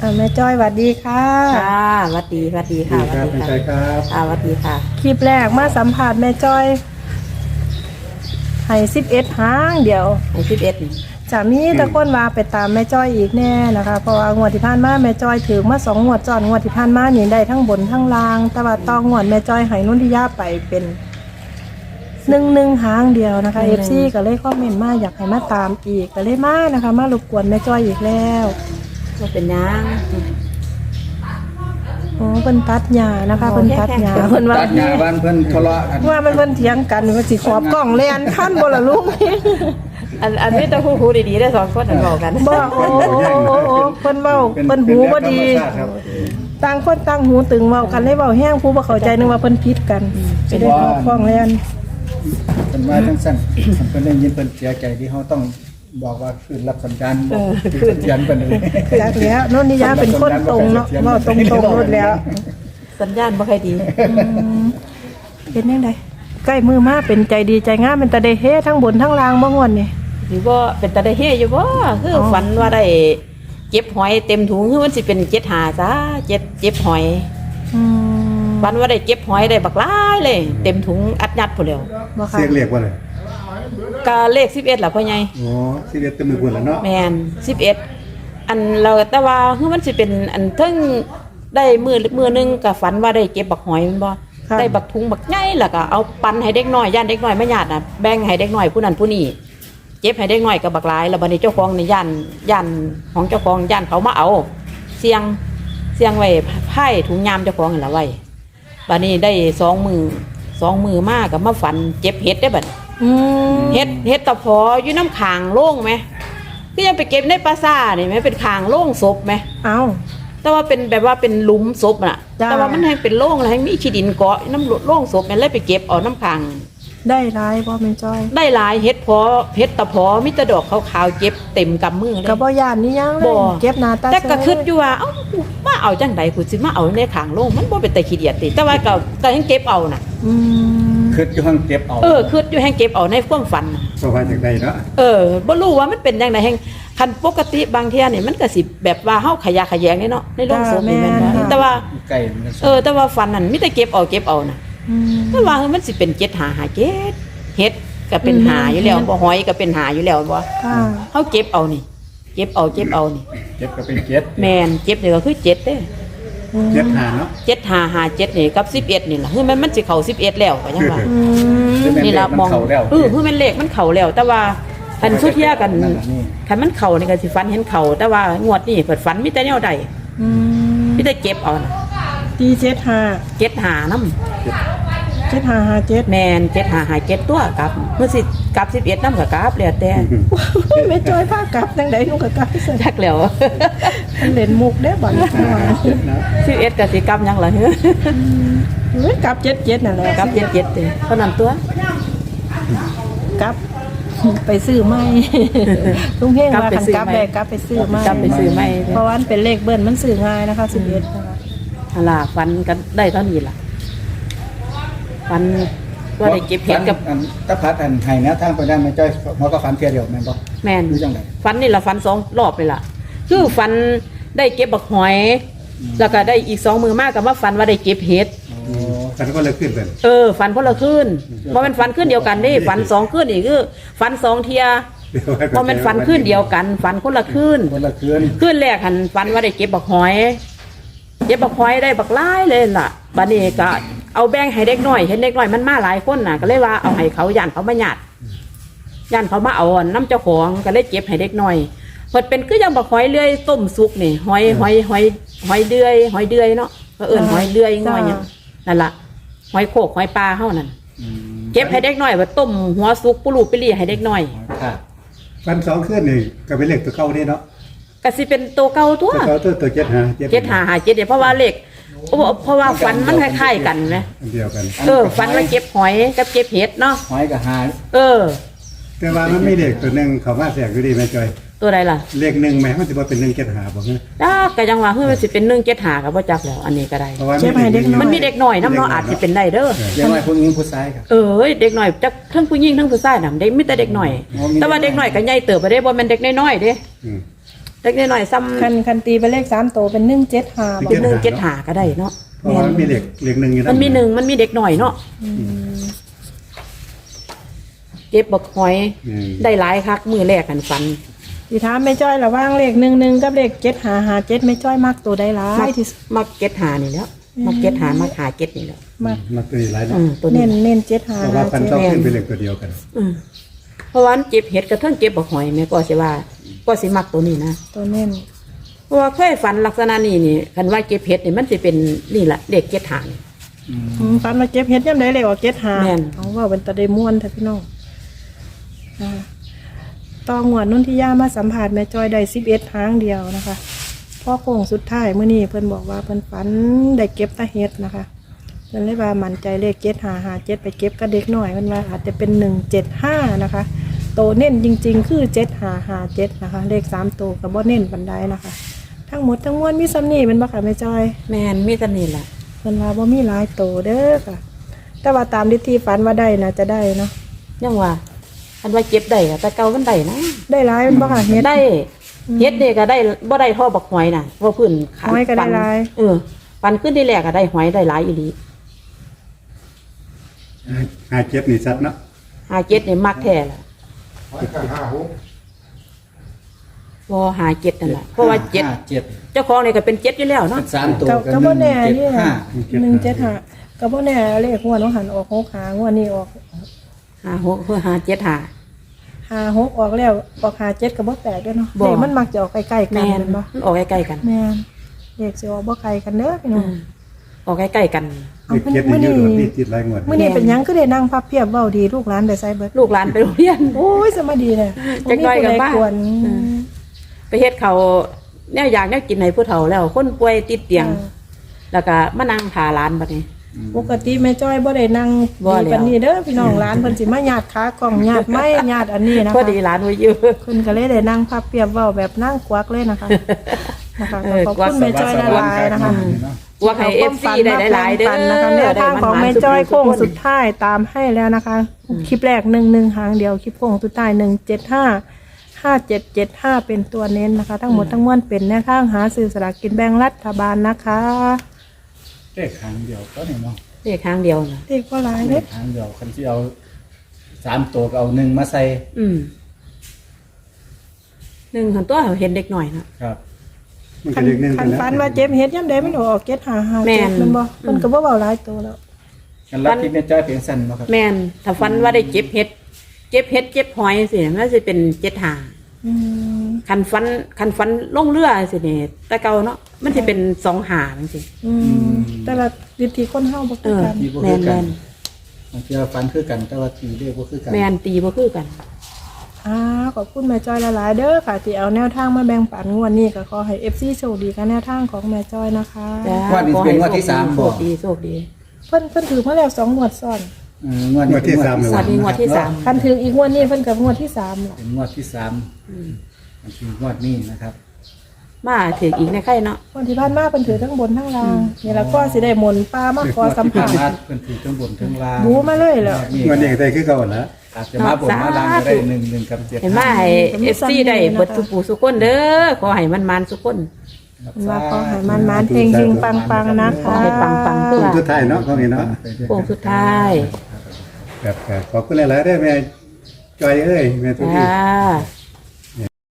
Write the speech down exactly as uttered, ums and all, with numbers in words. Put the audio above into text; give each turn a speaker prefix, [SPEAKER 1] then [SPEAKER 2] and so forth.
[SPEAKER 1] แม่จ้อยสวัสดีค่ะ
[SPEAKER 2] ค่ะสวัสดีสวัสดีค่ะสวัสดีค่ะ
[SPEAKER 3] ครับ
[SPEAKER 2] ค่ะสวัสดีค่ะ
[SPEAKER 1] คลิปแรกมาสัมผัสแม่จ้อยให้สิบเอ็ดหางเดียว
[SPEAKER 2] ในสิบเอ็ด
[SPEAKER 1] จะมีตะก้นว่าไปตามแม่จ้อยอีกแน่นะคะเพราะว่างวดที่ผ่านมาแม่จ้อยถือมาสองงวดจอนงวดที่ผ่านมานี่ได้ทั้งบนทั้งล่างแต่ว่าต้องงวดแม่จ้อยให้นุ่นทิยาไปเป็นหนึ่งหนึ่งหางเดียวนะคะเอฟซีก็เลยคอมเมนต์มาอยากให้มาตามอีกก็เลยมานะคะมารบกวนแม่จ้อยอีกแล้ว
[SPEAKER 2] ก็เป็นยัง
[SPEAKER 1] โอ้เพิ่นตัดหญ้านะคะเพิ่นตัดหญ้าเพิ่นว่า
[SPEAKER 3] ตัดงานบ้านเพิ่นทะเลาะกัน
[SPEAKER 1] ว่ามันเพิ่นเถียงกันว่าสิขอบกล้องแล่นคันบ่ล่ะลุง
[SPEAKER 2] อันอันนี้ต้องคู่ๆดีๆได้สองคนอันบอกกัน
[SPEAKER 1] บ่โอ้โอ้โอ้เพิ่นเว้าเพิ่นหูบ่ดีต่างคนต่างหูตึงเว้ากันเลยเว้าแห้งผู้บ่เข้าใจนึกว่าเพิ่นผิดกันไปได้ขอบกล้องแล่น
[SPEAKER 3] เป็นว่าทั้งสั้นเพิ่นได้ยินเพิ่นเสียใจที่เขาต้องบอกว่าคืนรับสัญญาณคืนยันเพิ่นเลย
[SPEAKER 1] จักแล้วโน่นนิยาเป็นคนตรงเนาะเว้าตรงๆหมดแล้ว
[SPEAKER 2] สัญญาณบ่ค่อยดี
[SPEAKER 1] เป็นจังไดใกล้มือมาเป็นใจดีใจงามเป็นตาได้เฮทั้งบนทั้งล่างบ่ง่วนนี่
[SPEAKER 2] หรือว่าเป็นตาได้เฮอยู่บ่คือฝันว่าได้เก็บหอยเต็มถุงคือมันสิเป็นเจ็ดหาจ้าเจ็ดเจ็บหอย
[SPEAKER 1] อืม
[SPEAKER 2] ฝันว่าได้เก็บหอยได้บักหลายเลย เต็มถุงอัดยัดพุ่นแล้ว
[SPEAKER 1] บ่ค่ะ
[SPEAKER 3] เสียงเรียกว่าอะไร
[SPEAKER 2] ก็เลขสิบเอ็ดล่ะพ่อใหญ่
[SPEAKER 3] อ๋อสิเรียกเต็มมือพุ่นแล้วเนาะ
[SPEAKER 2] แมนสิบเอ็ดอันเราแต่ว่าคือมันสิเป็นอันเทั้งได้มือมือหนึงกับฝันว่าได้เก็บบักหอยแมันบ่ได้บักทุงบักใหญ่แล้วก็เอาปันให้เด็กน้อยย่านเด็กน้อยไม่ญาติน่ะแบ่งให้เด็กน้อยผู้นั้นผู้นี้เก็บให้เด็กน้อยกับบักหลายแล้วบัดนี้เจ้าของในย่านย่านของเจ้าของย่านเขามาเอาเสียงเสียงไว้ไพ่ถุงยามเจ้าของนั่นล่ะไว้บัดนี้ได้สองมือสองมือมากกับมาฝันเจ็บเห็ดได้บัด
[SPEAKER 1] อืม
[SPEAKER 2] เฮ็ดเฮ็ดตะพออยู่น้ำขางโล่งไหมก็ยังไปเก็บในปราสาทนี่ไหมเป็นขางโล่งศพไหม
[SPEAKER 1] เอ้า
[SPEAKER 2] แต่ว่าเป็นแบบว่าเป็นหลุมศพน่ะ
[SPEAKER 1] จ้า
[SPEAKER 2] แต่ว่ามันให้เป็นโล่งแล้วให้มีขี้ดินเกาะน้ำโล่งศพมันเลยไปเก็บเอาน้ำขาง
[SPEAKER 1] ได้ร้ายบ่แม่นจ้อย
[SPEAKER 2] ได้หลายเฮ็ดพอเฮ็ดตะพอมีแต่ดอกขาวๆเก็บเต็มกำมือเลย
[SPEAKER 1] ก็บ่ย่านนี่ยังเล
[SPEAKER 2] บ่
[SPEAKER 1] ยเก็บหน้าตา
[SPEAKER 2] แต่ก็คิดอยู่ว่าเอ้ามาเอาจังไดกูสิมาเอาในขางโล่งมันบ่เป็นแต่ขี้เดียดติแต่ว่าก็ก็ยังเก็บเอาน่ะ
[SPEAKER 1] อืม
[SPEAKER 3] คืออยู่ห้องเก็บเอา
[SPEAKER 2] เออคิดอยู่แฮงเก็บเอาในความฝันน่ะ
[SPEAKER 3] สบายจากใดเนาะ
[SPEAKER 2] เออบ่รู้ว่ามันเป็นจังไดแฮงคันปกติบางเที่ยนี่มันก็สิแบบว่าเฮาขยะแขยงนี่เนาะในโรงศพนี่แม่นบ่แต่ว่า
[SPEAKER 3] ไก่มัน
[SPEAKER 2] เออแต่ว่าฟันนั่นมีแต่เก็บเอาเก็บเอาน่ะ
[SPEAKER 1] อืม
[SPEAKER 2] แต่ว่ามันสิเป็นเจ็ดหาหาเจ็ดเฮ็ดก็เป็นหาอยู่แล้วบ่หอยก็เป็นหาอยู่แล้วบ่
[SPEAKER 1] ค่ะ
[SPEAKER 2] เฮาเก็บเอานี่ เก็บเอาเก็บเอานี่
[SPEAKER 3] เก็บก็เป็นเก็บ
[SPEAKER 2] แม่นเก็บนี่ก็คือเจ็ดเด้
[SPEAKER 3] เก็บหาเนาะ
[SPEAKER 2] เจ็ดหาหาเจ็ดนี่กับสิบเอ็ดนี่ล่ะคือมันมันสิเข้าสิบเอ็ดแล้วก็ยังว่า
[SPEAKER 1] อืม
[SPEAKER 2] นี่ล่ะมองเออคือมันเลขมันเข้าแล้ว แต่ว่าคันสุดเที่ยกันคันมันเข้านี่ก็สิฝันเห็นเข้าแต่ว่างวดนี้เปิดฝันมีแต่แนวใด
[SPEAKER 1] อืม
[SPEAKER 2] มีแต่เก็บเอาน่ะ
[SPEAKER 1] ตีเจ็ดห้า
[SPEAKER 2] เจ็ดหานำ
[SPEAKER 1] เจ็ดห้าห้าเจ็ด
[SPEAKER 2] แม่นเจ็ดหาหาเจ็ดตัวกลับเมื่อสิกลับสิบเอ็ดนำก็กลับแล้วแต่
[SPEAKER 1] แม่จ้อยพากลับจังได๋ลูกก็กลับซะ
[SPEAKER 2] จักแล้ว
[SPEAKER 1] มันเล่นมุกเด้อบัดนี้
[SPEAKER 3] เก็บนะ
[SPEAKER 2] สิบเอ็ดกับสิกรรมยังเหรอเฮ้ย
[SPEAKER 1] เฮ้ยกลับเจ็ดเจ็ดนั่นแหละ
[SPEAKER 2] กรรมเจ็ดเจ็ดเลยเท่านั้นตัว
[SPEAKER 1] กลับ ไปซื้อใหม่ ลุงเฮงว่าคันกลับได้กลับไปซื้อใหม่
[SPEAKER 2] กรรมไปซื้อไม่
[SPEAKER 1] เพราะว่ามันเป็นเลขเบิ้ลมันซื้อง่ายนะคะสิบเอ็ดนะคะ
[SPEAKER 2] ฮลาฟันกันได้เท่านี้ล่ะฟันว่าได้เก็บเห็ดกับ
[SPEAKER 3] อันตะพัดอันไห้นะทางไปได้แม่จ้อยหมอก็ฝันเพียเดียวแม่นบ่
[SPEAKER 2] แม่น
[SPEAKER 3] รู้จังได๋
[SPEAKER 2] ฟันนี่ละฟันสองรอบเลยล่ะ คือฟันได้เก็บบักหอย แล้วก็ได้อีกสองมือมากกับว่าฟันว่าได้เก็บเห็ด
[SPEAKER 3] โอ้ฝันก็เลยขึ้นเป็น
[SPEAKER 2] เออฟันคนละขึ้นว่ามันฟันขึ้นเดียวกันนี่ฟันสองขึ้นอีกคือฟันสองเทียว่ามันฟันขึ้นเดียวกัน ฟันคนละขึ้น
[SPEAKER 3] คนละคืน
[SPEAKER 2] ขึ้นแรกหันฟันว่าได้เก็บบักหอย เก็บบักหอยได้บักหลายเลยล่ะบัดนี้ก็เอาแบ่งให้เด็กน้อยเห็นเด็กน้อยมันมาหลายคนน่ะ ก็เลยว่าเอาให้เขาย่านเขามาหยาดย่านเขามาเอาน้ำเจ้าของก็เลยเก็บให้เด็กน้อยเพิ่นเป็นคือยังบักหอยเลื่อยต้มสุกนี่หอยหอยหอยหอยเดือยหอยเดือยเนาะก็เอิ้นหอยเดือยง่อยหยังนั่นล่ะหอยโขกหอยปลาเฮานั่นเก็บให้เด็กน้อยว่าต้มหัวสุกปุรูปิลี่ให้เด็กน้อย
[SPEAKER 3] ค่ะฝันสองคืนนี่ก็เป็นเลขตัวเก่านี่เนาะ
[SPEAKER 2] ก็สิเป็นตัวเก่าตัว
[SPEAKER 3] ตัวเก่าตัวตัวเจ็ดหา
[SPEAKER 2] เจ็ดหาหาเจ็ดเดี๋ยวเพราะว่าเลขเพราะว่าฟันมันคล้ายๆกันไหม
[SPEAKER 3] อันเดียวกัน
[SPEAKER 2] เออฟันว่าเก็บหอยกับเก็บเห็ดเนาะ
[SPEAKER 3] หอยกับหา
[SPEAKER 2] เออ
[SPEAKER 3] แต่ว่ามันมีเลขตัวหนึงเขามาแทรกอยู่ดีแม่จ้อย
[SPEAKER 2] ตัวใดล่ะ
[SPEAKER 3] เลขหนึ่งแม่มันสิบ่เป็นหนึ่งเจ็ดหาบ่ฮะ
[SPEAKER 2] จ้าก็ยังว่าเฮ้ยมันสิเป็นหนึ่งเจ็ดหากับว่าจักแล้วอันนี้ก็ได้
[SPEAKER 3] เพราะว่า
[SPEAKER 2] มันมีเด็กหน่อยน้ำเนาะอาจจะเป็นได้เด้อ
[SPEAKER 3] เด็กน้อยผู้หญิงผู้ชายครับ
[SPEAKER 2] เออเด็กหน่อยจักทั้งผู้หญิงทั้งผู้ชายน่ะเด็กมีแต่เด็กหน่อย
[SPEAKER 3] อ๋อมี
[SPEAKER 2] แต่ว่าเด็กหน่อยก็ใหญ่เติบไปได้บ่แม่นเด็กน้อยๆเด้
[SPEAKER 3] อืม
[SPEAKER 2] เล็กน้อยๆซ้ำ
[SPEAKER 1] คันคันตีเป็นเลขสามตัวเป็นหนึ่งเจ็ดห้าบอ
[SPEAKER 2] เป็น
[SPEAKER 1] ก
[SPEAKER 2] หนึ่งเจ็ดหาก็ได้เนาะ
[SPEAKER 4] เพราะว่ามันมีเหล็กเหล็กหนึ่งอยู่
[SPEAKER 2] มันมีหนึ่งมันมีเด็กหน่อยเนาะเก็บบักหอย
[SPEAKER 4] อืม
[SPEAKER 2] ได้หลายคักมือแรกกันฟัน
[SPEAKER 1] สีถามแม่จ้อยระหว่างเลขหนึ่งหนึ่งกับเลขเจ็ดหาหาเจ็ดแม่จ้อยมากตัวใดหลา
[SPEAKER 2] มั
[SPEAKER 1] ย
[SPEAKER 2] ก
[SPEAKER 1] ที่สุด
[SPEAKER 2] มักเก็ตหานี่แล้วมักเก็ตหามักหาเก็ตนี่แล้ว
[SPEAKER 1] มาก
[SPEAKER 4] มันตัวนี้หลายเนาะ
[SPEAKER 2] อืมตัว
[SPEAKER 1] เน้
[SPEAKER 2] นี้
[SPEAKER 1] นเน้นเจ็ดหา
[SPEAKER 4] เพราะ
[SPEAKER 1] หา
[SPEAKER 4] ว่าพัน
[SPEAKER 1] เจ็ด
[SPEAKER 4] เก้าขึ้นเป็นเหล็กตัวเดียวกัน
[SPEAKER 2] อืมเพราะว่ามันเจ็บเห็ดกระทั่งเจ็บบักหอยแม่ก็สิว่า ก็สิมักตัวนี้นะ
[SPEAKER 1] ตัวเน้น
[SPEAKER 2] เพราะว่าเคยฝันลักษณะนี้นี่คันว่าเก็บเห็ดนี่มันสิเป็นนี่แหละเด็กเก็ตหานี่
[SPEAKER 1] อืมฟันมาเจ็บเฮ็ดย่ำได้เลยว่าเจ็ดหา
[SPEAKER 2] แม่น
[SPEAKER 1] เอาว่าเป็นตะได้ม่วนแท้พี่น้องอ่าตองหวดนุ่นที่ย่ามาสัมผัสแม่จ้อยได้สิบเอ็ดทางเดียวนะคะพ่อโค้งสุดท้ายเมื่อนี้เพิ่นบอกว่าเพิ่นฝันได้เก็บตะเฮ็ดนะคะเพิ่นเลยว่ามั่นใจเลขเจ็ดหาหาเจ็ดไปเก็บกับเด็กหน่อยเพิ่นว่าอาจจะเป็นหนึ่งเจ็ดห้านะคะโตเน้นจริง ๆ คือเจ็ดหาหาเจ็ดนะคะ เลขสามโตกับบ่เน้นปันใดนะคะ ทั้งหมดทั้งมวลมีซ้ำนี่เป็นบ่ค่ะแม่จ้อย
[SPEAKER 2] แม่นมีแต่นี่แหละ
[SPEAKER 1] เพิ่นว่าบ่มีหลายโตเด้อค่ะ แต่ว่าตามที่ที่ฝันว่าได้นะจะได้เนาะ
[SPEAKER 2] ยังว่าคันว่าเก็บได้ก็แต่เก่ามันได้นะ
[SPEAKER 1] ได้หลายเป็นบ่ค่ะเฮ็ด
[SPEAKER 2] ได้เฮ็ดนี่ก็ได้บ่ได้เท่อบักหอยน่ะเพราะพื้นขา
[SPEAKER 1] หอยก็ได้
[SPEAKER 2] ปัน
[SPEAKER 1] หลาย
[SPEAKER 2] เออปันขึ้นที่แรกก็ได้หอยได้หลายอีหลี
[SPEAKER 4] หาเจ็บนี่ชัดเนาะ
[SPEAKER 2] หาเจ็ดนี่มักแท้ล่ะบ่หาเจ็ดนั่นแหละเพราะว่าเจ็ด
[SPEAKER 3] ห้เจ็ด
[SPEAKER 2] เจ้าของนี่ก็เป็นเจ็ดอยู่แล้วเนาะ
[SPEAKER 3] เป็นสามตัว
[SPEAKER 1] ก็
[SPEAKER 3] กัน
[SPEAKER 1] ก็
[SPEAKER 3] ห
[SPEAKER 1] บ่
[SPEAKER 3] นึ่ง
[SPEAKER 1] แน่
[SPEAKER 3] เจ็ด
[SPEAKER 1] นี่
[SPEAKER 3] ห้า
[SPEAKER 1] หนึ่งเจ็ดห้าก็บ่แน่เลขงวดของหันออกหกหางวดนี้ออก
[SPEAKER 2] หาหกเพื่อหาเจ็ดหา
[SPEAKER 1] หาหกออกแล้วออกหาเจ็ดก็บ่แปลกเด้อเนาะ
[SPEAKER 2] บ่
[SPEAKER 1] เลขมันมักจะออกใกล้ๆกัน
[SPEAKER 2] แม่น
[SPEAKER 1] แม่นบ่
[SPEAKER 2] มันออกใกล้ๆกัน
[SPEAKER 1] แม่นเลขสิออกบ่ไกลกันเด้อพี่น้
[SPEAKER 2] อื
[SPEAKER 1] อง
[SPEAKER 2] มออกใกล้ๆกัน
[SPEAKER 1] เอา
[SPEAKER 4] เหล็ก
[SPEAKER 1] เพิ่น
[SPEAKER 4] เจ็ดนี่
[SPEAKER 1] มื้อ
[SPEAKER 4] อ
[SPEAKER 1] นี้
[SPEAKER 4] ยู่โดดนี่ติดหลายงวด
[SPEAKER 1] มื้อนี้เป็นหยังคือได้นั่งพับเพียบเว้าดีลูกหลานได้ใส่เบิด
[SPEAKER 2] ลูกหลานไปโรงเรียน
[SPEAKER 1] โอ้ยสมาดีเลย
[SPEAKER 2] จักหน่อยก็บ้า
[SPEAKER 1] บ่มีผู้ใดกวน
[SPEAKER 2] อืม ไปเฮ็ดเขาแนวอยากแนวกินให้ผู้เฒ่าแล้ว คนป่วยติดเตียง แล้วก็มานั่งทาร้านบัดนี้
[SPEAKER 1] ปกติแม่จ้อยบ่ได้นั่ง
[SPEAKER 2] บ่
[SPEAKER 1] ดี
[SPEAKER 2] แล้ว
[SPEAKER 1] ปานนี้เด้อพี่น้องร้านเพิ่นสิมาญาติขากล่องญาติไม้ญาติอันนี้นะ
[SPEAKER 2] พอ
[SPEAKER 1] คะ
[SPEAKER 2] ดีร้านไว้เยอะ
[SPEAKER 1] เพิ่นก็เลยได้นั่งพับเปียบเว้าแบบนั่งกวักเลยนะคะนะคะ
[SPEAKER 2] เออ
[SPEAKER 1] ขอบคุณแม่จ้อยหลายๆนะคะ
[SPEAKER 2] ว่าให้
[SPEAKER 1] เอา
[SPEAKER 2] เอ
[SPEAKER 1] วาม
[SPEAKER 2] ฟซี
[SPEAKER 1] ฝัน
[SPEAKER 2] ได้
[SPEAKER 1] มา
[SPEAKER 2] หลายๆเด้อ
[SPEAKER 1] แบ่งปันนะคะแนวทางของแม่จ้อยโค้งสุดท้ายตามให้แล้วนะคะ คลิปแรกหนึ่งหนึ่งหางเดียวคลิปโค้งสุดท้ายหนึ่งเจ็ดห้าห้าเจ็ดเจ็ดห้าเป็นตัวเน้นนะคะ ทั้งหมดทั้งมวลเป็นแนวทางหาซื้อสลากกินแบ่งรัฐบาลนะคะ
[SPEAKER 3] เลขหางเดียวก็นี่เนาะ
[SPEAKER 2] เลขครั้งเดียวนะ
[SPEAKER 1] เด็กก็หลาย
[SPEAKER 3] เล
[SPEAKER 1] เด้
[SPEAKER 3] ขหางเดียวคันที่เอาสามตัวก็เอาหนึ่งมาใส่
[SPEAKER 2] อืมหนึ่งหันตัวเห็นเด็กหน่อยนะครับ
[SPEAKER 4] มัน
[SPEAKER 1] คั
[SPEAKER 4] ก็
[SPEAKER 1] น
[SPEAKER 4] เหล็กหนึ่ง
[SPEAKER 1] คั
[SPEAKER 4] กัน
[SPEAKER 1] น
[SPEAKER 4] นะ
[SPEAKER 1] ฟันว่าเจ็บเฮ็ดย่ำใดมันออกเจ็ดหาหา
[SPEAKER 2] แม่
[SPEAKER 1] เจ็ด
[SPEAKER 2] น
[SPEAKER 1] มันบ่มันก็บ่เว้าหลายตัวแล้ว
[SPEAKER 3] กันรับที่แม่จ้อยเพียงสั้นเนาะครับ
[SPEAKER 2] แม่นถ้าฟันว่าได้เจ็บเห็ดเจ็บเห็ดเจ็บหอยสิมันจะเป็นเจ็ดหา
[SPEAKER 1] อืม
[SPEAKER 2] คันฟันคันฟันลงเรือสิเนี่ยแต่เก่าเนาะมันจะเป็นสองหาจังซี่
[SPEAKER 1] อืมแต่ละวิธีคนเฮาบ่
[SPEAKER 2] เอ
[SPEAKER 1] คือ
[SPEAKER 2] อ
[SPEAKER 1] กัน
[SPEAKER 3] ที่บ่
[SPEAKER 2] แม่
[SPEAKER 3] คือน กั
[SPEAKER 2] แม่
[SPEAKER 3] น
[SPEAKER 2] น
[SPEAKER 3] บางทีเราฟันคือกันแต่ว่าตีเลขบ่คือกัน
[SPEAKER 2] แม่นตีบ่คือกัน
[SPEAKER 1] อ่าขอบคุณแม่จ้อยหลายๆเด้อค่ะที่เอาแนวทางมาแบ่งปันงวดนี้ก็ขอให้ เอฟ ซี โชคดีกับแนวทางของแม่จ้อยนะคะ
[SPEAKER 2] จ้า
[SPEAKER 3] ว่านี่เป็นงวดที่สาม
[SPEAKER 2] โช
[SPEAKER 3] บ่
[SPEAKER 2] คดีโชคดี
[SPEAKER 1] เพิ่นเพิ่นถือมาแล้วสองงวดซ้อน
[SPEAKER 3] เอองวด
[SPEAKER 4] งวดที่สามเลย
[SPEAKER 2] สวัสดีงวดที่สาม
[SPEAKER 1] คันถืออีกงวดนี้เพิ่นกับงวดที่สามล่ะ
[SPEAKER 3] เป็นงวดที่สามมันคืองวดนี้นะครับ
[SPEAKER 2] มาถืออีกในไข่เนาะ
[SPEAKER 1] งวดที่ผ่านมาเพิ่นถือทั้งบนทั้งล่างนี่ล่ะก็สิได้หมนปลามาขอสัม
[SPEAKER 3] ผ่า
[SPEAKER 1] ภาน ษ
[SPEAKER 3] มา
[SPEAKER 1] ณ์
[SPEAKER 3] เพิ่นถือทั้งบนทั้งล่าง
[SPEAKER 1] บูมาเลยเหรอ
[SPEAKER 4] งวดนี้ก็ได้คือเก่าแล้ว
[SPEAKER 3] อาจจะมาบนมาล่างก็ได้หนึ่งหนึ่งกับเจ็ด
[SPEAKER 2] เห็นว่าให้เอฟซีได้เบิดทุกผู้สุกคนเด้อขอให้มันมันสุกคน
[SPEAKER 1] เพิ่นว่าขอให้มันมันเฮงๆปังๆนะ
[SPEAKER 2] ขอ
[SPEAKER 1] คะ
[SPEAKER 2] ให้ปังๆเพื่อ
[SPEAKER 4] สุดท้ายเนาะของนี้เนาะ
[SPEAKER 2] โค้งสุดท้าย
[SPEAKER 4] แบบขอบคุณหลายๆได้อแม่จอยเอ้ยแม่ทุกที
[SPEAKER 2] จ้า